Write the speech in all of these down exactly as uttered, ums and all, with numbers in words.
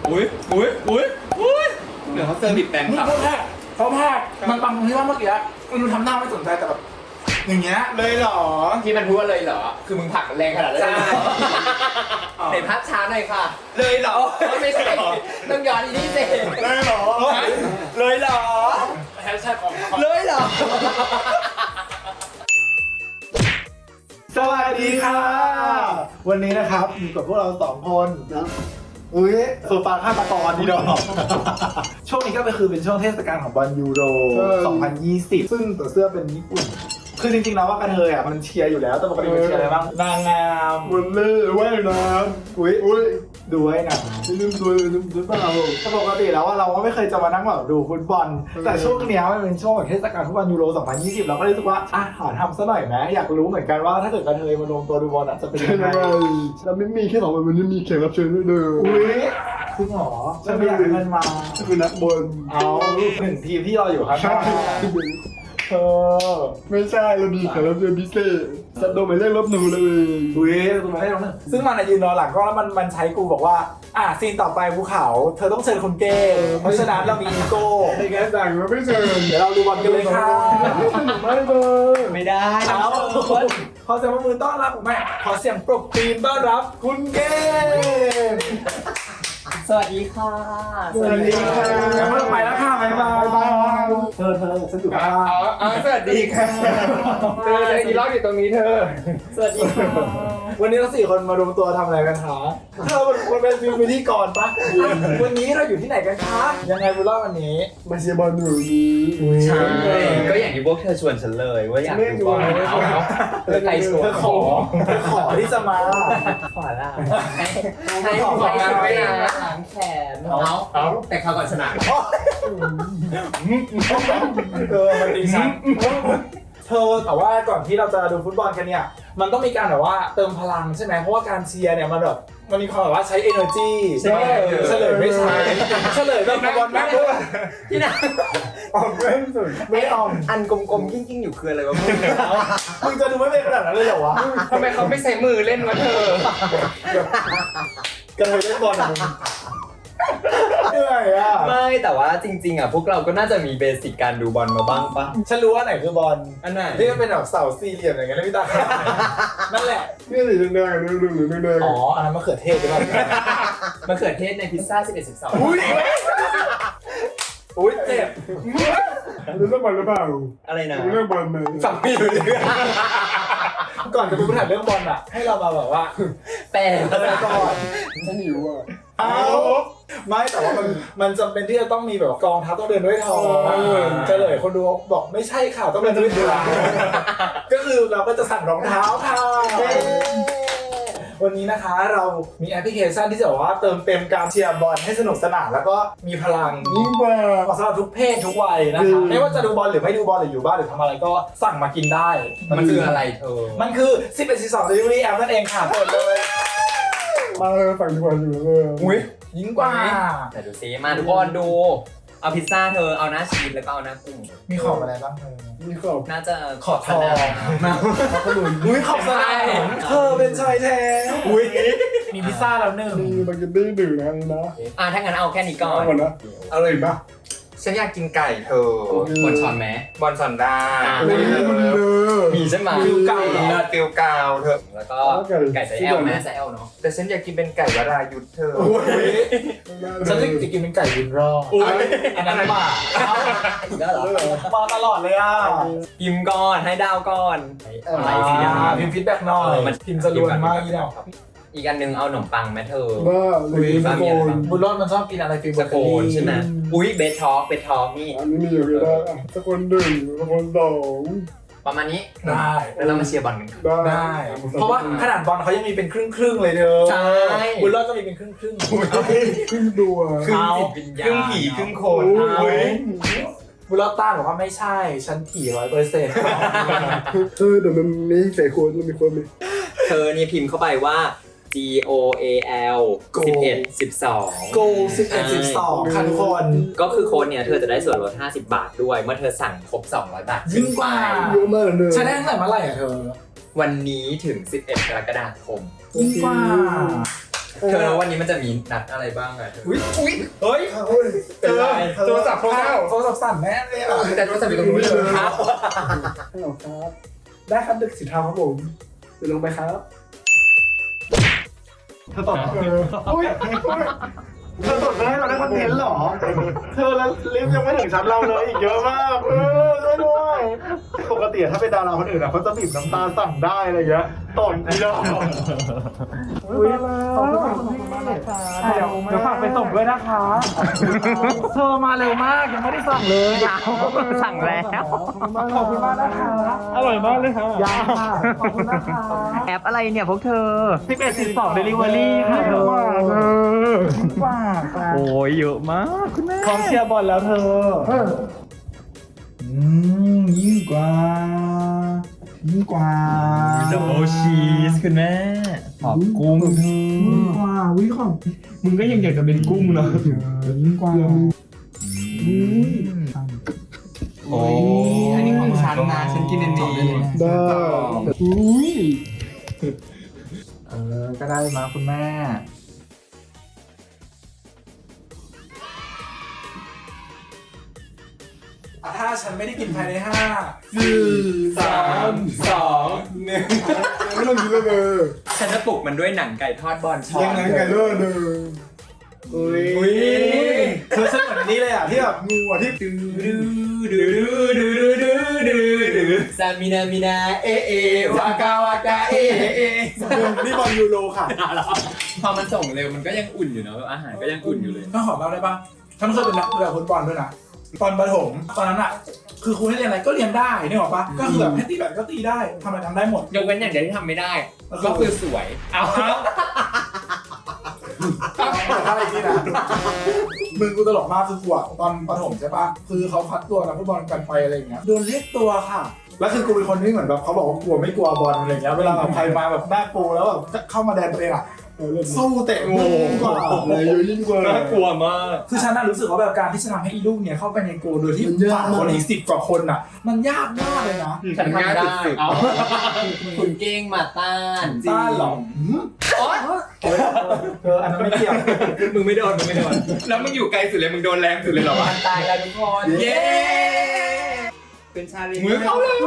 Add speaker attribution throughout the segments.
Speaker 1: อุ้ยอุ้ยอุ้ยอุ้ยเดี๋ยวเขาเซอร์วิสแปลงครับ
Speaker 2: เขาแพ้เขาแพ้มันปังตรงที่ว่าเมื่อกี้มันทำหน้าไม่สนใจแต่แบบอย่างเงี้ยเลยเหรอ
Speaker 1: ที่มันพูดว่าเลยเหรอคือมึงผลักแรงขนาดนั้นเลยเห็นภาพช้าหน่อยค่ะเลยเหรอไม่ใช่ต้องย้อนอีกนิดเดียว
Speaker 2: เลยเหรอ
Speaker 1: เลยเหรอ
Speaker 2: แฮชแท็กของ
Speaker 1: เลยเหรอ
Speaker 2: สวัสดีค่ะวันนี้นะครับอยู่กับพวกเราสองคนนะอุ้ยโซฟาฆาตกรนี่ดอกช่วงนี้ก็คือเป็นช่วงเทศกาลของบอลยูโรสองพันยี่สิบซึ่งตัวเสื้อเป็นญี่ปุ่นคือจริงๆแล้วว่ากระเทยอ่ะมันเชียร์อยู่แล้วแต่ปกติมันเชียร์อะไรบ้างนางงามวอลเล่ว่ายน้ำอุ้ยอุ้ยดูว่ายน้ำลืมดูลืมดูเปล่าแต่ปกติแล้วว่าเราก็ไม่เคยจะมานั่งแบบดูฟุตบอลแต่ช่วงนี้มันเป็นช่วงเทศกาลฟุตบอลยูโรสองพันยี่สิบเราก็เลยรู้สึกว่าอ่ะหาทำซะหน่อยไหมอยากรู้เหมือนกันว่าถ้าเกิดกระเทยมารวมตัวดูบอลอ่ะจะเป็นยังไง
Speaker 3: เราไม่มีแค่สองคนมันไม่มีแขกรับเชิญด้วยเด้อ
Speaker 2: อุ้ยจริงเหรอฉันไม่อยากให้มันมา
Speaker 3: คือนักบอล
Speaker 2: เอาหนึ่งทีมที่รออยู่ครับเออ
Speaker 3: ไม่ใช่เราดีแขกรับเชิญพิเศษสัตว์โดนหมายเลขลบหนูเลย
Speaker 2: อุ้ยคุณมาให้เราหนึ่งซึ่งมันอะยืนรอหลังกล้องแล้วมันมันใช้กูบอกว่าอ่ะซีนต่อไปภูเขาเธอต้องเชิญคนเก้เพราะฉะนั้นเรามีอีโก้
Speaker 3: ในแกสั่งมาไม่เชิญ
Speaker 2: เดี๋ยวเราดูบอลกันเลยค่ะ
Speaker 3: ไม่เลย
Speaker 1: ไม่ได้
Speaker 2: เอาขอเสียงปรบมือต้อนรับผมแม่ขอเสียงปรบตีนต้อนรับคุณเก้
Speaker 1: สวัสดีค่ะ
Speaker 2: สวัสดีค่ะงั้นเราไปแล้วค่ะบ๊ายบายบายเธอเธอฉันอยู่ข้าง
Speaker 1: อ๋ออ๋อสวัสดีค่ะเธอเธออีล็อกอยู่ตรงนี้เธอสวัสดีค่ะ
Speaker 2: วันนี้เราสี่คนมารวมตัวทำอะไรกันคะเธอมันเป็นฟิลพิธีกรปะวันนี้เราอยู่ที่ไหนกันคะยังไงบุญรอดวันนี้
Speaker 3: มาเชียร์บอลหนูนี้
Speaker 1: ใช่ก็อย่างที่พวกเธอชวนฉันเลยว่าอยากดูบอลเอาเอาใครชวน
Speaker 2: เธอขอเธอขอที่จะมา
Speaker 1: ขอละให้ขอมาไว้นะล้างแขนเอาเอาแต่เขาก่อนชนะ
Speaker 2: เออมันดีสันเธอแต่ว่าก่อนที่เราจะดูฟุตบอลกันเนี่ยมันต้องมีการแบบว่าเติมพลังใช่ไหมเพราะว่าการเชียร์เนี่ยมันแบบมันมีความแบบว่าใช้ energy ใช่ไหมเฉลยไม่ใช่เฉลยแบบบอลแม่ด้วย
Speaker 1: ที่ไหน
Speaker 3: ออกไม่สุด
Speaker 2: ไม่ออม
Speaker 1: อันกลมๆยิ่งๆอยู่คืออะไรวะมึง
Speaker 2: มึงจะดูไม่เป็นขนาดนั้นเลยเหรอวะ
Speaker 1: ทำไมเขาไม่ใช้มือเล่นวะเธอ
Speaker 2: กระเทยเล่นบอลอะมึงเหนื่อยอ่ะ
Speaker 1: ไม่แต่ว่าจริงๆอ่ะพวกเราก็น่าจะมีเบสิกการดูบอลมาบ้างปะ
Speaker 2: ฉันรู้ว่าไหนคือบอล
Speaker 1: อันไหน
Speaker 2: ที่มันเป็นแบบเสาสี่เหลี่ยมอย่างเงี้ยแล้วพี่ตานั่นแหละ
Speaker 3: นี่สีแดงๆนี่ดูหรือแดง
Speaker 2: อ๋ออันนั้นมะเขือเทศใช่ไหม
Speaker 1: มะเขือเทศในพิซซ่าสิบเอ็ด สิบสอง
Speaker 2: อุ้ยอุ้ยเจ็บ
Speaker 3: ๆดูเรื่องบอลหรือเปล่า
Speaker 1: อะไรนะ
Speaker 3: ดูเรื่องบอลไหม
Speaker 2: สั่งไม่อยู่เลยก่อนจะไปพูดถึงเรื่องบอลอ่ะให้เรามาแบบว่า
Speaker 1: แปล
Speaker 2: อะไรก่อน
Speaker 3: ฉันหิวอ่ะ
Speaker 2: เอาไม่แต่ว่ามันมันจำเป็นที่จะต้องมีแบบกองทัพต้องเดินด้วยทองเฉลยคนดูบอกไม่ใช่ค่ะต้องเดินด้วยเท้าก็คือเราก็จะสั่งรองเท้าค่ะวันนี้นะคะเรามีแอปพลิเคชันที่จะบอกว่าเติมเต็มการเชียร์บอลให้สนุกสนานแล้วก็มีพลัง
Speaker 3: ยิ่งกว่า
Speaker 2: เหมาะสำหรับทุกเพศทุกวัยนะคะไม่ว่าจะดูบอลหรือไม่ดูบอลหรืออยู่บ้านหรือทำอะไรก็สั่งมากินได้
Speaker 1: มันคืออะไรเธอ
Speaker 2: มันคือสิบเอ็ด สิบสอง Delivery App นั่นเองค่ะเปิดเลย
Speaker 3: มาเลยฝั่งดีกว่าอยู่เลย
Speaker 2: อุ้ยยิ่งกว่า
Speaker 1: แต่ดูซิมาทุกคนดูเอาพิซซ่าเธอเอาหน้าชีสแล้วก็เอาหน้ากุ้ง
Speaker 2: มีของอะไรบ้างเธอ
Speaker 3: มีขอบ
Speaker 1: น่าจะ
Speaker 2: ขอทอง
Speaker 1: นะ
Speaker 3: ขนุน
Speaker 2: อุ้ยขอบสนามเธอเป็นชายแท้อุ้ยมีพิซซ่าแล้วหนึ่ง
Speaker 3: มีบาเกตตี้หนึ่งนะนี่นะ
Speaker 1: อ่ะถ้างั้นเอาแค่นี้ก่อ
Speaker 3: เอา
Speaker 1: น
Speaker 3: หมดนะเอาเลยปะ
Speaker 4: ฉันอยากกินไก่เธอบ
Speaker 1: นช้อนไหม
Speaker 4: บอลสันดา
Speaker 1: อ่ะ
Speaker 3: เฮ้ยมันเด้อ
Speaker 1: มีใช่ไหม
Speaker 2: ฟิวเก่าเหรอ
Speaker 4: เนื้อติวกาวเธอ
Speaker 1: แล้วก็ไก่ไซแอลแม่ไซแอลเนาะ
Speaker 4: แต่ฉันอยากกินเป็นไก่วรายุทธเธอ
Speaker 2: ฉันจะกินเป็นไก่วินรอดอันนั้นหมา
Speaker 1: อีกแล้วเหรอ
Speaker 2: มาตลอดเลยอ่ะ
Speaker 1: พิมพ์ก่อนให้ดาวก่อนอะไรสิ
Speaker 2: อ่า
Speaker 1: อ่ะ
Speaker 2: พิมพ์ฟีดแบ็กหน่อยพิมพ์จะรวนมากอีเนาะ
Speaker 1: อีกอันหนึ่งเอาขนมปังไหมเธอ
Speaker 3: บ้าเลยสโคน
Speaker 2: บุญรอดมันชอบกินอะไรฟิล
Speaker 1: สโคนใช่ไหมอุ้ยเบททอกเบททอกนี่
Speaker 3: อันนี้มีอยู่ก็ได้อ่ะสโคนหนึ่งสโคนสอง
Speaker 1: ประมาณนี้
Speaker 2: ได้
Speaker 1: แล้วเรามาเชียร์บอลกัน
Speaker 3: ได้
Speaker 2: ได้ เพราะว่าขนาดบอลเขายังมีเป็นครึ่งครึ่งๆเลยเด้อ
Speaker 1: ใช่
Speaker 2: บุญรอดก็มีเป็นครึ่งครึ่ง
Speaker 3: ครึ่งตัว
Speaker 1: ครึ่งจิตวิญญาณ
Speaker 4: ครึ่งผีครึ่งโค
Speaker 3: โอ้
Speaker 4: น
Speaker 3: ย
Speaker 2: บุญรอดต้านบอกว่าไม่ใช่ฉันผีร้อยเปอร์เซ็นต์
Speaker 3: เออแต่มันมีใส่โคนมันมีคนมี
Speaker 1: เธอเนี่ยพิมพ์เข้าไปว่า G O A L สิบเอ็ด สิบสอง
Speaker 2: โกสิบเอ็ดสิบสองค่ะทุกคน
Speaker 1: ก็คือโค้ดเนี่ยเธอจะได้ส่วนลดห้าสิบบาทด้วยเมื่อเธอสั่งครบสองร้อยบาท
Speaker 2: ยิ่งกว่า
Speaker 3: เยอะมากเลย
Speaker 2: ใช้ได้ตั้งแต่เมื่อไหร่อะเธอ
Speaker 1: วันนี้ถึงสิบเอ็ดกรกฎาคม
Speaker 2: ยิ่งกว่า
Speaker 1: เธอวันนี้มันจะมีนัดอะไรบ้างอะเธอ
Speaker 2: อุ้ย
Speaker 4: อุ้ยเฮ้ย
Speaker 2: เจอ
Speaker 4: โทรศัพท์โทรศัพท์
Speaker 2: โทรศัพท์สั่นแน่เลยอ่ะ
Speaker 1: แต่โทรศัพท์อยู่ตรงนู้นเลยครับ
Speaker 2: ฮัลโหลครับ ได้ครับดึกสิทธาครับผมเดี๋ยวลงไปครับเธอตอบเอออุ้ยเธอตอบให้เราได้คอนเทนต์เหรอ เธอแล้วลิฟต์ยังไม่ถึงชั้นเราเลยอีกเยอะมากเออช่วยด้วยปกติถ้าเป็นดาราคนอื่นอ่ะเขาจะบีบน้ำตาสั่งได้อะไรเงี้ยตอนนี้เราอุ้ยขอบคุณมากคุณมากเลยค่ะเดี๋ยวเดี๋ยวฝากไปส่งด้วยนะคะเธอมาเร็วมากยังไม่ได้สั่งเลยสั่งแล้วขอบคุณมากนะคะอร่อยมากเลยค่ะยาค่ะขอบคุณนะคะ
Speaker 1: แอปอะไรเนี่ยพวกเธอ
Speaker 2: สิบเอ็ดสิบสองเดลิเวอรี่ค่ะเธอว้าค่ะ
Speaker 1: โอ้ยเยอะมากคุณแม่
Speaker 2: พร้อมเชียร์บอลแล้วเธออืมยิ่งกว่ายิ่งกว่า
Speaker 1: ดับเบิลชีสคุณแม่ขอบกุ้งเธอ
Speaker 2: ยิ่งกว่าวิของมึงก็ยังอยากจะเป็นกุ้งเนาะยิ่งกว่าอุ้ย
Speaker 1: โอ้ยอันนี้ของฉันนะฉันกินอันนี้
Speaker 2: ได้อุ้ยเออก็ได้มาคุณแม่ถ้าฉันไม่ได้กินภายในห้าสี่สามสองหนึ่งไม่ต้องกินแล้วเด้อ
Speaker 1: ฉันจะปลุกมันด้วยหนังไก่ทอดบอลชอน
Speaker 2: ยังไงไก่เด้อเด้ออุ้ยคือฉันเหมือนนี้เลยอ่ะที่แบบงูอ่ะที่ดื้อดื้อดื้อดื้อดื้อดื้อดื้อดื้อ
Speaker 1: ซามินามินาเอเอวากาวากาเอเอ
Speaker 2: นี่บอลยูโรค่ะ
Speaker 1: พอมันส่งเร็วมันก็ยังอุ่นอยู่เนอะอาหารก็ยังอุ่นอยู่เลย
Speaker 2: ต้องขอเล่าได้ปะฉันเคยเป็นนักเตะฟุตบอลด้วยนะตอนประถมตอนนั้นอ่ะคือครูให้เรียนอะไรก็เรียนได้นี่หรอปะก็คือแบบให้ตีแบดก็ตีได้ทำอะไรทำได้หมด
Speaker 1: ยกเว้นอย่างเดียวที่ทำไม่ได้ ก็คือสวย เอา
Speaker 2: อะไรที่นะมึงกูตลกมากคือกูอะตอนประถมใช่ปะคือเขาคัดตัวนักฟุตบอลกันไปอะไรอย่างเงี้ยโดนเรียกตัวค่ะแล้วคือกูเป็นคนที่เหมือนแบบเขาบอกว่ากลัวไม่กลัวบอลอะไรอย่างเงี้ยเวลาแบบใครมาแบบหน้าปูแล้วแบบเข้ามาแดนตัวเองอะสู้เตะงูกว่าเลยยิ่งกว่า
Speaker 1: น่ากลัวมาก
Speaker 2: คือฉันน่ะรู้สึกว่าแบบการที่จะทำให้อีลูกเนี่ยเข้าไปในโกลโดยที่ผ่านคนอีกสิบกว่าคนอ่ะ มันยากมากเลยนะ
Speaker 1: ฉันทำได้เอาคุณเก้งมาต้าน
Speaker 2: ต้านหรออ๋อเอออันนั้นไม่เกี่ยว
Speaker 1: มึงไม่โดนมึงไม่โดน แล้วมึงอยู่ไกลสุดเลยมึงโดนแรงสุดเลยเหรอวะตายแล้วทุกคน เย้เป็นชาลีมือเขาเลย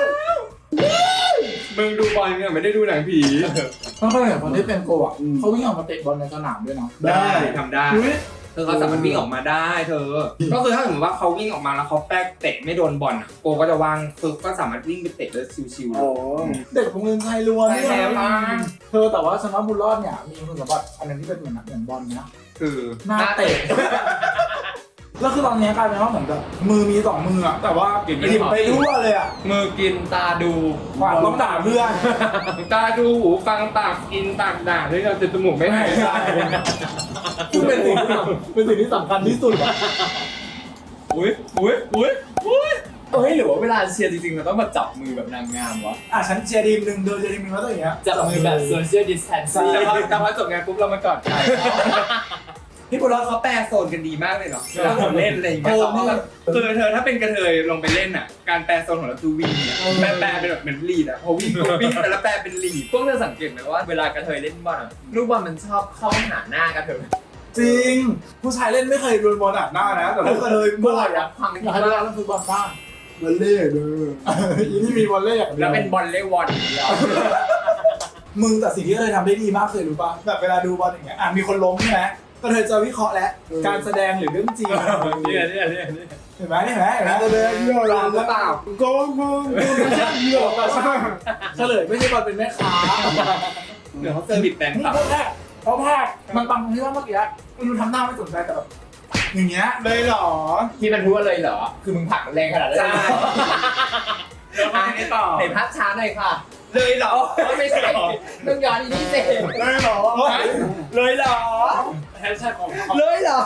Speaker 1: มึงดูบอลเนี่ยไม่ได้ดูหนังผี
Speaker 2: เขาเคยเห็นคนที่เป็นโกอ่ะเขาวิ่งออกมาเตะบอลในสนามด้วยนะ
Speaker 1: ได้ทำได้เธอเขาสามารถวิ่งออกมาได้เธอ ก็คือถ้าสมมติว่าเขาวิ่งออกมาแล้วเขาแป๊กเตะไม่โดนบอลอ่ะโกก็จะวางคือก็สามารถวิ่งไปเตะได้ชิวๆเลย
Speaker 2: เด็กโรงเรียนไทยล้วน
Speaker 1: ใช่แล้วค่ะ
Speaker 2: เธอแต่ว่าฉันว่าบุญรอดเนี่ยมีคุณสมบัติอันนึงที่เป็นเหมือนเหมือนบอลนะ
Speaker 1: คือ
Speaker 2: หน้าเตะแล้วคือตอนนี้กลายเป็นว่าเหมือนแบบมือมีสองมืออะแต่ว่าหยิบไปทั่วเลยอะ
Speaker 1: มือกินตาดู
Speaker 2: ว่าต้องด่าเพื่อน
Speaker 1: ตาดูหูฟังปากกินปากด่าด้วยกันจนจมูกไม่หายใจ
Speaker 2: ซึ่งเป็นสิ่งที่เป็นสิ่งที่สำคัญที่สุด
Speaker 1: อุ้ยอุ้ยอุ้ยอุ้ยเฮ้ยหรือว่าเวลาเชียร์จริงๆเราต้องมาจับมือแบบนางงามวะ
Speaker 2: อ่ะฉันเชียร์ทีมหนึ่งเธอเชียร์ทีมหนึ่งแล้วตัวอย่างเงี้ย
Speaker 1: จับมือแบบ social distancing แต่พอแต่พอจบงานปุ๊บเรามากอดกันพี่บุญรอดเขาแปลโซนกันดีมากเลยเนาะเวลาผมเล่นอะไรอย่างเงี้ยคือเธอถ้าเป็นกระเทยลงไปเล่นอ่ะการแปลโซนของเราคือวิ่งเนี่ยแปลแปลเป็นแบบเหมือนลีดอ่ะพอวิ่งปุ๊บวิ่งแต่ละแปลเป็นลีดพวกเธอสังเกตไหมว่าเวลากระเทยเล่นบอลอะลูกบอลมันชอบเข้าหาหน้ากระเทย
Speaker 2: จริงผู้ชายเล่นไม่เคยโดนบอลอัดหน้านะแต่ถ้าเคยเมื่อไหร่อะ
Speaker 1: พัง
Speaker 2: อยากให้เล่นฟุตบอลบ้าง
Speaker 3: บอลเล่เด้อ
Speaker 2: อีนี่มีบอลเล่อย่างเดียว
Speaker 1: แล้วเป็นบอลเล่วอนอย่างเดียว
Speaker 2: มึงแต่สิ่งที่เคยทำได้ดีมากเคยรู้ป่ะแบบเวลาดูบอลอย่างเงี้ยอ่ะมีคนล้มใช่ไหมก็เธอจะวิเคราะห์แล้วการแสดงหรือเรื่องจริง
Speaker 1: เนี่ยเนี่ยเนี่ยเนี่ย
Speaker 2: เห็นไหมเห็นไหมเห็นไหม
Speaker 3: แสดงเยอะเลย
Speaker 2: หรือเปล่า
Speaker 3: โกงโกงไม่ใช่เยอะ
Speaker 2: เฉลยไม่ใช่บอลเป็นแม่ค้า
Speaker 1: เดี๋ยวเขาเซอร์วิสแบงค์
Speaker 2: นี่
Speaker 1: ครับ
Speaker 2: เพราะแรกเพราะแรกมันปังที่ว่าเมื่อกี้ไม่รู้ทำหน้าไม่สนใจแต่แบบอย่างเงี้ยเลยเหรอ
Speaker 1: ที่มันพูดว่าเลยเหรอ คือมึงผลักแรงขนาดนั้น
Speaker 2: ใช่
Speaker 1: แล้วมาไม่ต่อเห็นภาพช้าหน่อยค่ะ เลยเหรอไม่ใช่ต้องย้อนอีนี่เสร็จ
Speaker 2: เลยเหรอ
Speaker 1: เลยเหรอ
Speaker 2: แฮชแท็กของ
Speaker 1: เลยเหรอ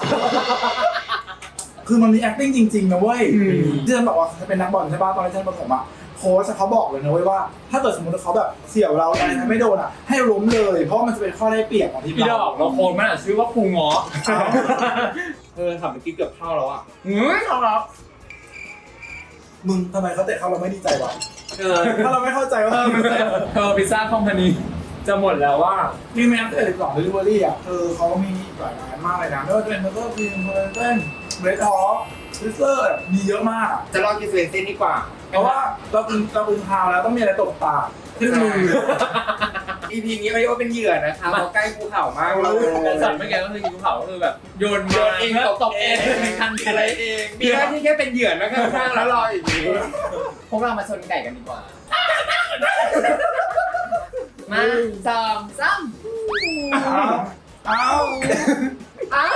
Speaker 2: คือมันมี acting จริงๆนะเว้ยที่ฉันบอกว่าจะเป็นนักบอลใช่ป่ะตอนที่ฉันประถมอ่ะโค้ชเขาบอกเลยนะเว้ยว่าถ้าเกิดสมมติเขาแบบเสี่ยวเราอะไรไม่โดนอ่ะให้ล้มเลยเพราะมันจะเป็นข้อได้เปรียบของทีม
Speaker 1: พี่ด
Speaker 2: เรา
Speaker 1: อกเราโคนมันอ่ะชื่อว่าครูง้อเออขับเมื่อกี้เกือบเข้าแล้วอ่ะเฮ้ยเข้าแล้ว
Speaker 2: มึงทำไมเขาเตะเข้าเราไม่ดีใจวะ
Speaker 1: เออ
Speaker 2: ถ้าเราไม่เข้าใจว่า
Speaker 1: เออมันเธอพิซซ่าคอมพานี
Speaker 2: จ
Speaker 1: จะหมดแล้วว่า
Speaker 2: นี่แม้แต่สิบสอง delivery อ่ะคือเขามีหลายร้านมากเลยนะไม่ว่าจะเป็นเบอร์เกอร์คิงเบอร์เกอร์เบรดฮอปซิสเตอร์มีเยอะมาก
Speaker 1: จะลองกินสเวนเซ่นดีกว่า
Speaker 2: เพราะว่าเรากินเรากินข้าวแล้วต้องมีอะไรตกปากขึ้นมือ
Speaker 1: อีพีนี้เขาเรียกว่าเป็นเหยื่อนะคะเพราะใกล้ภูเขามากเลย
Speaker 5: แต่สัตว์เมื่อกี้ก็คือกินภูเขาก็คือแบบโยน
Speaker 1: โย
Speaker 5: มาน
Speaker 1: เอง
Speaker 5: แล้ว
Speaker 1: ต
Speaker 5: ต
Speaker 1: ก
Speaker 5: ก
Speaker 1: เอ
Speaker 5: เอง งทันที
Speaker 1: อะไรเองมีหน้าที่แค่เป็นเหยื่อนะข้างๆแล้วรออย่างนี้
Speaker 5: พวกเรามาชนไก่กันดีกว่า มาสองสาม
Speaker 2: เอ้า
Speaker 5: เอ้า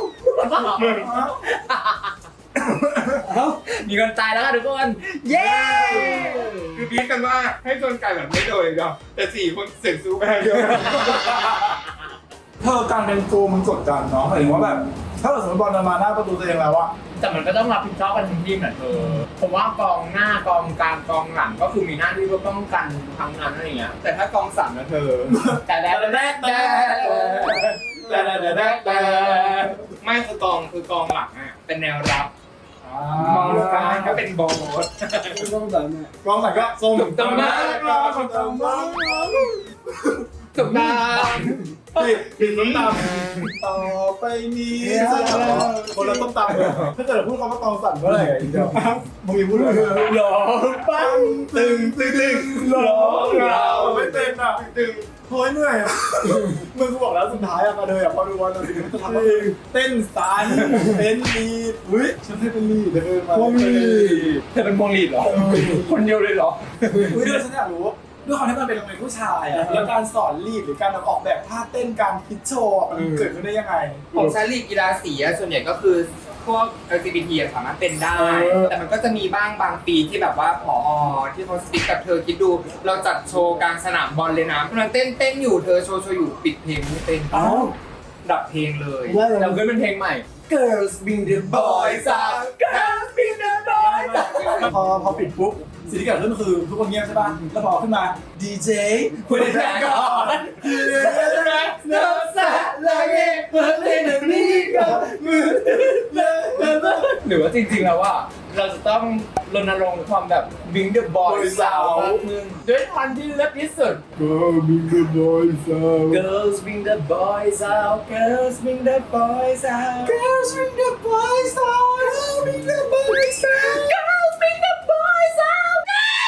Speaker 5: มีคนตายแล้วค่ะทุกคน เย้
Speaker 1: คือพีดกันว่าให้ชนไก่แบบไม่โดนเลยเดียวแต่สี่คนเสียงซูแพงเดียว
Speaker 2: เธอการเป็นโฟมันกดดันเนาะหมายถึงว่าแบบถ้าเราสมมติบอลเดินมาหน้าประตูตัวเองแล้วอะ
Speaker 5: แต่มันก็ต้องรับผิดชอบกันทั้งทีมแหละเธอผมว่ากองหน้ากองกลางกองหลังก็คือมีหน้าที่เพื่อป้องกันทั้งนั้นอะไรอย่างเงี้ย
Speaker 1: แต่ถ้ากองสามนะเธอ
Speaker 5: แต่แล้วแต่แต่
Speaker 1: แต่แต่แต่แต่ไม่คือกองคือกองหลังอ่ะเป็นแนวรับมองกลางก็เป็นโบส
Speaker 3: ต้องสั่งเนี่ย
Speaker 2: กองไหนก็ส้ม
Speaker 1: ถูกต้องมาก
Speaker 2: กองส้มตำ
Speaker 1: ถูกต้อง
Speaker 2: ปิดปิดส้มตำต่อไปนี้คนละส้มตำเลยถ้าเกิดพูดคำว่ากองสั่นเมื่อไหร่อะอีกเดียวมึงมีพูดเลย
Speaker 1: หลอปังตึงตึงตึงหลอเรา
Speaker 2: ไม่เป็นอ่ะตึงโอ้ยเหนื่อยอ่ะมึงกูบอกแล้วสุดท้ายอ่ะมาเลยอ่ะพอดูวันเราสิ่งที่จะทำก็คือเต้นสันเต้นลีดอุ้ยฉันให้เป็นลีดเลยมา
Speaker 1: พวงลีดเธอเป็นพวงลีดเหรอ คนเดียวเลยเหรอ
Speaker 2: อุ้ยเดี๋ยวฉันอยากรู้ด้วยความที่มันเป็นโรงเรียนผู้ชายอ่ะแล้วการสอนลีดหรือการออกแบบท่าเต้นการคิดโชว์มันเกิดขึ้นได้ยังไง
Speaker 1: ของชั้นลีกกีฬาสีอะส่วนใหญ่ก็คือพวก แอล จี บี ที อะสามารถเป็นได้ แต่มันก็จะมีบ้างบางปีที่แบบว่าผอที่เขาสติ๊กกับเธอคิดดู เราจัดโชว์กลางสนามบอลเลยนะกำลังเต้นเต้นอยู่เธอโชว์โชว์อยู่ปิดเพลงไม่เต้น
Speaker 2: เอ้า
Speaker 1: ดับเพลงเลย
Speaker 3: ว่าอะไร
Speaker 5: เราขึ้นเป็นเพลงใหม่
Speaker 2: Girls Being the Boys out Girls Being the Boys out พอพอปิดปุ๊บสิ่งที่เกิดขึ้นคือทุกคนเงียบใช่ป่ะแล้วพอขึ้นมาดีเจคุณได้แท็กก่อนเนื้อสะละเกะเปิดเพลงหนึ่งนี้ก่อนมือเลิก
Speaker 5: หรือว่าจริงๆแล้วว่าเราจะต้องรณรงค์ความแบบ Bring the Boys Out มากขึ้นด้วยท่อนที่เลิศที่สุด
Speaker 3: ก็มีเดอะบอยสาว
Speaker 5: Girls bring the boys out Girls bring the boys out
Speaker 2: Girls Being the Boys out Girls Being the Boys out
Speaker 5: Girls bring the boys out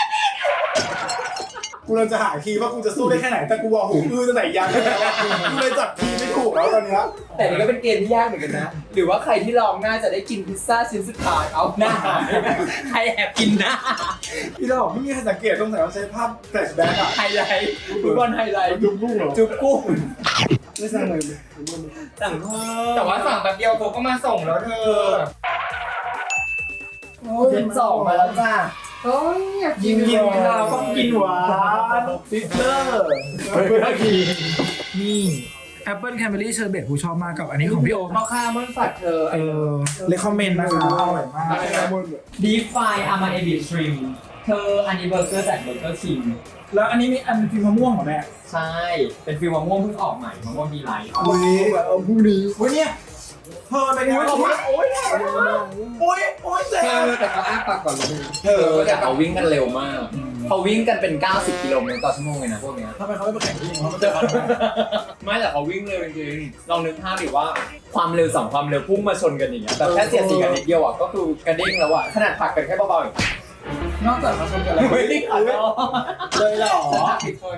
Speaker 2: กูเลยจะหาคีย์ว่ากูจะสู้ได้แค่ไหนแต่กูว่าหูอื้อตั้งแต่ยังแล้วอะกูเลยจับคีย์ไม่ถูกแล้วตอนเนี้ย
Speaker 5: แต่นี่ก็เป็นเกมที่ยากเหมือนกันนะ หรือว่าใครที่ลองน่าจะได้กินพิซซ่าชิ้นสุดท้ายเอาหน้า ใครแอบกินหน้า
Speaker 2: พี่ดอกไม่มีใครสังเกตตรงไหนว่าใช้ภาพแฟลชแบ็กอะ
Speaker 5: ไฮไลท์ฟุตบอลไฮไลท์
Speaker 3: จุ๊บกุ้งเหรอ
Speaker 5: จุ๊บกุ้ง
Speaker 3: ไม่สั่งเลย
Speaker 5: สั่งเพิ่ม
Speaker 1: แต่ว่าสั่งแป๊บเดียวเขาก็มาส่งแล้วเธอ
Speaker 5: เจ็ดสองมาแล้วจ้า
Speaker 1: โอ้ยอยากกิ
Speaker 2: กิ
Speaker 1: น
Speaker 2: นกินข้าวต้องกินหวานซิสเตอร์นี่แอปเปิลแคนเบอรี่เชอร์เบตกูชอบมากกับอันนี้ของพี่โอม
Speaker 5: พ่อค้ามันฝัดเธอ
Speaker 2: เออเลคคอมเมนต์นะคะอร่อยมาก
Speaker 5: ดีฟายอามาเอบิทริมเธออันนี้เบอร์เกอร์จากเบอร์เกอร์คิง
Speaker 2: แล้วอันนี้มีอันฟิล์มมะม่วงเหรอแม่
Speaker 5: ใช่ เป็นฟิลมะม่วงเพิ่งออกใหม่มะม่วงดีไลท์
Speaker 2: อุ้ย
Speaker 3: เอาพรุ่งนี้
Speaker 2: อุ้ยเนี่ยเธอเป็นไงโอ้ยโอ้ยโอ้ยโอ้ยเจ๊
Speaker 1: เธอแต่เขาอ้าปากก่อนเลย
Speaker 5: เธอแต่เขาวิ่งกันเร็วมาก เขาวิ่งกันเป็น เก้าสิบ กิโลเมตรต่อชั่วโมงเลยนะพวกเนี้ย
Speaker 2: ทำไมเขาไม่ไปแข่งวิ่งเขาไม่เจอกัน
Speaker 5: ไม่แต่เขาวิ่งเร็วจริงๆลองนึกภาพดิว่าความเร็วสองความเร็วพุ่งมาชนกันอย่างเงี้ยแบบแค่เสียดสีกันนิดเดียวอ่ะก็คือกระเด้งแล้วอ่ะขนาดผลักกันแค่เบาๆอย่าง
Speaker 2: นอกจากเขาชมกันแล้ว
Speaker 5: ไม่ได้ขัด
Speaker 2: เลยเหรอ
Speaker 5: ผิดคน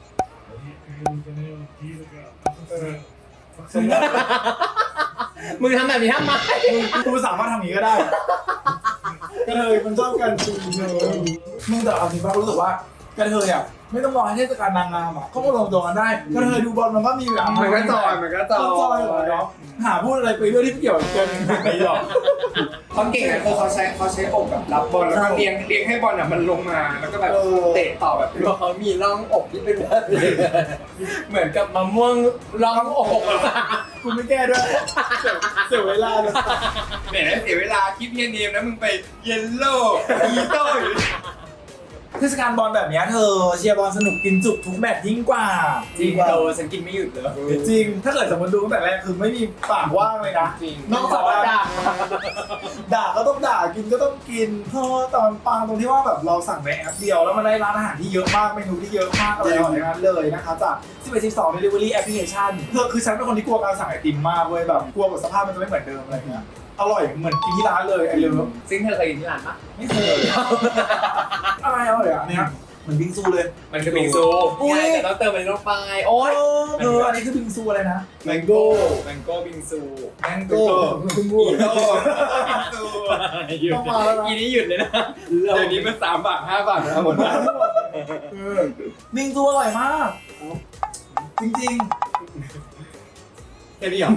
Speaker 5: มึงทำแบบนี้ทำไม
Speaker 2: กูสามารถทำอย่างนี้ก็ได้กระเทยมันชอบกันจริงเลยมึงแต่เอาจริงป่ะรู้สึกว่ากระเทยอ่ะไม่ต้องรอให้เทศกาลนางงามอ่ะเขาก็ลงตัวกันได้กระเทยดูบอลมันก็มีแบบ
Speaker 1: มันก็จอยมันก็จ
Speaker 2: จ
Speaker 1: อ
Speaker 2: อย
Speaker 1: ย
Speaker 2: เหรอเนาะหาพูดอะไรไปเรื่องที่ไม่เกี่ยวกับเกมไหนหรอก
Speaker 1: เขาเก่งอะคือเขาใช้เขาใช้อกแบบรับบอลแล้วก็เลี้ยงเลี้ยงให้บอลอ่ะมันลงมาแล้วก็แบบเตะต่อแบบ
Speaker 5: เพราะเขามีร่องอกที่เป็นแบบนี้เหมือนกับมะม่วงร่องอก
Speaker 2: กูไม่แก้ด้วยเสียเวลาเลย
Speaker 1: แหมเสียเวลาคลิปเฮียเนมนะมึงไปเยลโล่อีโต้อยู่
Speaker 2: เทศกาลบอลแบบเนี้ยเธอเชียร์บอลสนุกกินจุกทุกแมตช์ยิ่งกว่า
Speaker 5: จริงโตฉันกินไม่หยุดเลย
Speaker 2: จริงถ้าเกิดสมมติดูตั้งแต่แรกคือไม่มีปากว่างเลยนะ
Speaker 5: จริง
Speaker 2: นอกจากว่าด่าด่าก็ต้องด่ากินก็ต้องกินเพราะตอนปังตรงที่ว่าแบบเราสั่งในแอปเดียวแล้วมันได้ร้านอาหารที่เยอะมากเมนูที่เยอะมากอะไรอย่างนั้นเลยนะคะจากสิบเอ็ด สิบสอง delivery application คือคือฉันเป็นคนที่กลัวการสั่งไอติมมากเว้ยแบบกลัวแบบสภาพมันจะไม่เหมือนเดิมอะไรเงี้ยอร่อยเหมือนกินที่ร้านเลยไอเลิฟ
Speaker 5: ซึ่งเธอเคยกินที่ร้านปะ
Speaker 2: ไม่เคยอะไรอร่อยอ่ะอันเนี้ยเหมือนบิงซูเลย
Speaker 5: มันคือบิงซู
Speaker 2: อุ๊ย
Speaker 5: ใช่แต่ต้องเติมมันลงไปโอ๊ย
Speaker 2: เอออันนี้คือบิงซูอะไรนะ
Speaker 4: แมงโก้
Speaker 5: แมงโก้บิงซู
Speaker 2: แมงโก้
Speaker 4: คุณบูด
Speaker 5: หยุด
Speaker 2: ต้องมาแล้วนะ
Speaker 5: อีนี้หยุดเลยนะ
Speaker 4: เดี๋ยวนี้มันสามบาทห้าบาทนะหมดแล้ว
Speaker 2: บิงซูอร่อยมาก จริง
Speaker 4: แค่นี้เหรอ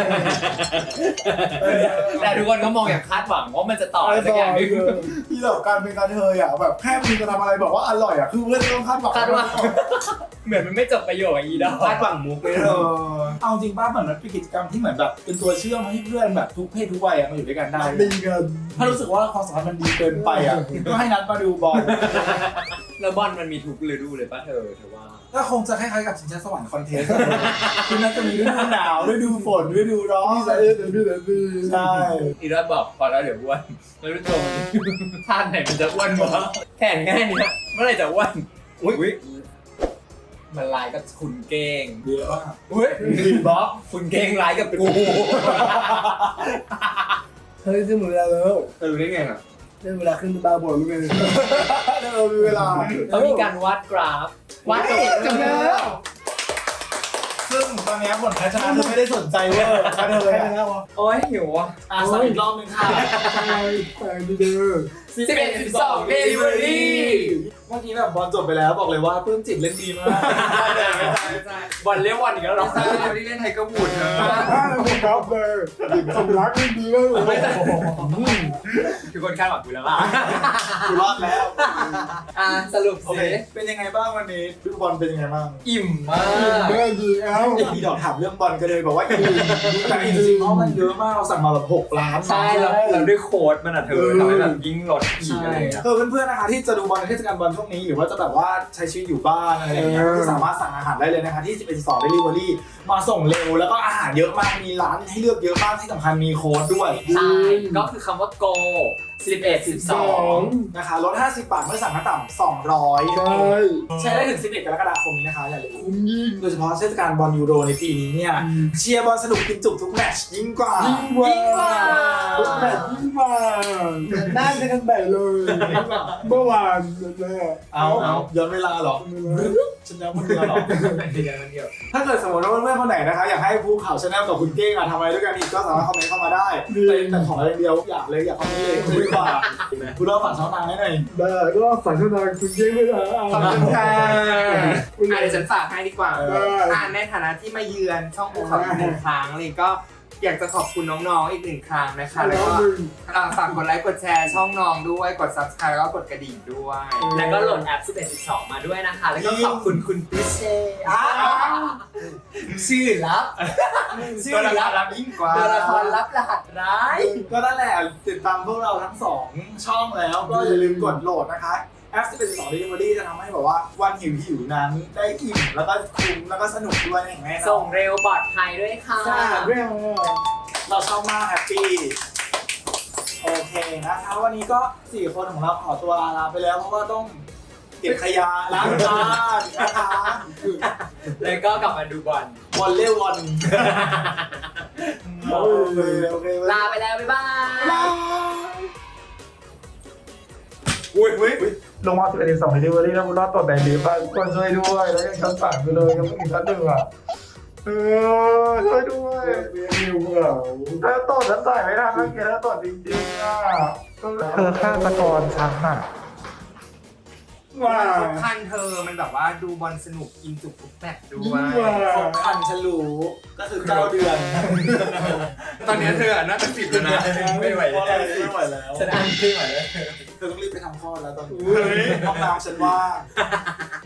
Speaker 5: แต่ทุกคนก็มองอย่างคาดหวังว่ามันจะต่ออะไรสักอย่างหนึง
Speaker 2: ๆที่แบบการเป็นการเทยอ่ะแบบแค่มึงจะทำอะไรบอกว่าอร่อยอ่ะคือเพื่อนต้องคาดหวัง
Speaker 5: คาดหวัง เหมือนมันไม่จบประโยคอะอีดอก
Speaker 4: คาดหวังมุกเลย
Speaker 2: เออเอาจริงป้าเหมือนมันเป็นกิจกรรมที่เหมือนแบบเป็นตัวเชื่อมให้เพื่อนแบบทุกเพศทุกวัยอะมาอยู่ด้วยกันได้
Speaker 3: ดีกัน
Speaker 2: ถ้ารู้สึกว่าความสัมพันธ์มันดีเกินไปอ่ะก็ให้นัดมาดูบอล
Speaker 5: แล้วบอลมันมีทุกฤดูเลยป่ะเธอเธอว่า
Speaker 2: ก็คงจะคล้ายๆกับชิงช้าสวรรค์คอนเทสต์คือน่าจะมีฤดูหนาวฤดูฝนฤดูร้อน
Speaker 3: พี่สะเอ็ดพี่สะดี
Speaker 2: ใช่
Speaker 5: อีรอดบอกพอแล้วเดี๋ยวอ้วนแล้วรู้ตัวมันท่าไหนมันจะอ้วนวะแข่งง่ายเนี่ยเมื่อไหร่จะอ้วนอุ้ยมันลายกับคุณเก้ง
Speaker 2: เยอะมาก
Speaker 5: อุ้ยบล็อกคุณเก้งลายกับกู
Speaker 3: เฮ้ยจะหมดเวลาแล้ว
Speaker 4: เออรู้ได้ไงอ่ะ
Speaker 3: ได้เวลาขึ้นบาร์บอลแล้วไง
Speaker 2: เออมีเวลา
Speaker 5: เขามีการวาดกราฟวาดเอง
Speaker 3: จำได้แล้ว
Speaker 2: ซึ่งตอนนี้ผลการชนะคือไม่ได้สนใจเว่าการเทย
Speaker 3: ใคร
Speaker 2: อะ
Speaker 3: แล้ววะ
Speaker 5: โอ้ยหิวอ่ะ
Speaker 2: อ่ะสั่งอีกรอบนึงค่ะ
Speaker 3: ใช่แฟนดีเดอร์
Speaker 5: สิบเอ็ดสิบสองเดลิเวอรี่
Speaker 2: เมื่อกี้แบบบอลจบไปแล้วบอกเลยว่าปลื้มจิตเล่นดีมาก
Speaker 5: บอลเลี้ยงบอลอีกแล้วเหรอ
Speaker 1: ใช่ที่เล่นไทยก็บูดเธอ
Speaker 3: ถ้าคุณครับเลยสมรักไม่ดีมากเลย
Speaker 5: ทุกคนคาดหวังกูแล้วล่ะ
Speaker 2: กูรอดแล้ว
Speaker 5: อ่ะสรุป
Speaker 2: โอเค
Speaker 5: สิ
Speaker 2: เป็นยังไงบ้างวันนี้ดูบอลเป็นยังไงบ้าง
Speaker 5: อิ่มมาก
Speaker 3: แม่ดีเอ้า
Speaker 2: มีดอกถามเรื่องบอลกันเลยบอกว่าอิ่มแต่จริงๆเพราะมันเยอะมากเราสั่งมาแบบหกล้าน
Speaker 5: ใช่แล้วแล้วด้วยโค้ดมันอ่ะเธอทำให้แบบยิ่งลดอีกอะไรอย่างเงี้ย
Speaker 2: เออเพื่อนๆนะคะที่จะดูบอลในเทศกาลบอลช่วงนี้หรือว่าจะแบบว่าใช้ชีวิตอยู่บ้านอะไรอย่างเงี้ยก็สามารถสั่งอาหารได้เลยนะคะที่สิบเอ็ด สิบสอง delivery มาส่งเร็วแล้วก็อาหารเยอะมากมีร้านให้เลือกเยอะมากที่สำคัญมีโค้ดด้วย
Speaker 5: ใช่ก็คือคำว่า go สิบเอ็ด สิบสอง
Speaker 2: นะคะลดห้าสิบบาทเมื่อสั่งขั้นต่ำสองร้อย
Speaker 3: ใช่
Speaker 2: ใช้ได้ถึงสิบเอ็ดกรกฎาคมนี้นะคะอย่าลืม
Speaker 3: คุ้มยิ่ง
Speaker 2: โดยเฉพาะเทศกาลบอลยูโรในปีนี้เนี่ยเชียร์บอลสนุกกินจุกทุกแมตช์ยิ่งกว่า
Speaker 3: ยิ่งกว่าทุกแมตช์ยิ่งกว่าน่าจะกันแต่เลยเมื่อวานเลย
Speaker 2: เอาเอาย้อนเวลาเหรอฉันย้อนคนเดียวเหรอ
Speaker 5: เดียวมันเดียว
Speaker 2: ถ้าเกิดสมมติว่าเพื่อนๆคนไหนนะคะอยากให้ภูเขาชาแนลกับคุณเก้งอะทำอะไรด้วยกันอีกก็สามารถคอมเมนต์เข้ามาได้แต่แต่ขออย่างเดียวอยากเลยอยากคอมเมนต์เลยดีกว่าคุณเราฝากช่องทางให้หน่อย
Speaker 3: ได้ก็ฝากช่องทางคุณเย้ไม่ได้
Speaker 1: ขอบคุณค่ะ
Speaker 3: คุณ
Speaker 1: อ่ะเดี๋ยวฉันฝากให้ดีกว่า
Speaker 3: ได้
Speaker 1: อ่าในฐานะที่มาเยือนช่องภูเขาอีกหนึ่งครั้งเลยก็อยากจะขอบคุณน้องๆอีกหนึ่งครั้งนะคะ แล้วก็อ่าฝากกดไลค์กดแชร์ช่องน้องด้วยกด ซับสไครบ์ แล้วก็กดกระดิ่งด้วย
Speaker 5: แล้วก็โหลดแอปสิบเอ็ด สิบสองมาด้วยนะคะ แล้วก็ขอบคุณคุณพิเชษ
Speaker 2: อ้าว
Speaker 5: ชื่อลับ ชื่อลับ
Speaker 1: รับยิ่งกว่า
Speaker 5: ตัวละครลับรหัสร้าย
Speaker 2: ก็นั่นแหละติดตามพวกเราทั้งสองช่องแล้วก็อย่าลืมกดโหลดนะคะแอปสิบเอ็ด สิบสอง delivery จะทำให้แบบว่าวันหิวหิวๆนั้นได้อิ่มแล้วก็คุ้มแล้วก็สนุกด้วยอย่างแน่นอน
Speaker 5: ส่งเร็วปลอดภัยด้วยค่ะ
Speaker 2: ใช่
Speaker 3: เรื่อง
Speaker 2: เราชอบมากแฮปปี้โอเคนะคะวันนี้ก็สี่คนของเราขอตัวลาไปแล้วเพราะว่าต้องเก็บขยะล้างจานนะคะ
Speaker 5: แล้วก็กลับมาดูบอล
Speaker 2: วอลเล่วอลโอเคโอเค
Speaker 5: ลาไปแล้ว บ๊ายบาย
Speaker 2: อุ้ยอุ้ย
Speaker 3: ลงมาสิบเอ็ดสิบสองเดลิเวอรี่แล้วคุณรอดตัวแบนดีป่ะก็ช่วยด้วยแล้วยังชั้นสั่งไปเลยยังไม่ถึงชั้นหนึ่งอ่ะเออช่วยด้วยเรียนนิวเหรอถ้าต่อฉันจ่ายไม่ได้ถ้าเกิดถ้าต่อจริงๆอ่ะเธอฆ่าตะกรฉันอ่ะ
Speaker 1: ว้าวสำคัญเธอมันแบบว่าดูบอลสนุกกินจุกทุกแมตช์ด้วย
Speaker 2: ครบคันฉันรู้ก็คือเก้าเดือน
Speaker 1: ตอนนี้เธออะน่าจะสิบแล้วนะ
Speaker 5: ไม่ไหว
Speaker 2: เพราะอะไรไม่ไหวแล้ว
Speaker 5: ฉันอ่านขึ้นมาแล้ว
Speaker 2: เธอต้องรีบไปทำคลอดแล้วตอนนี้ห้องน้ำฉันว่าง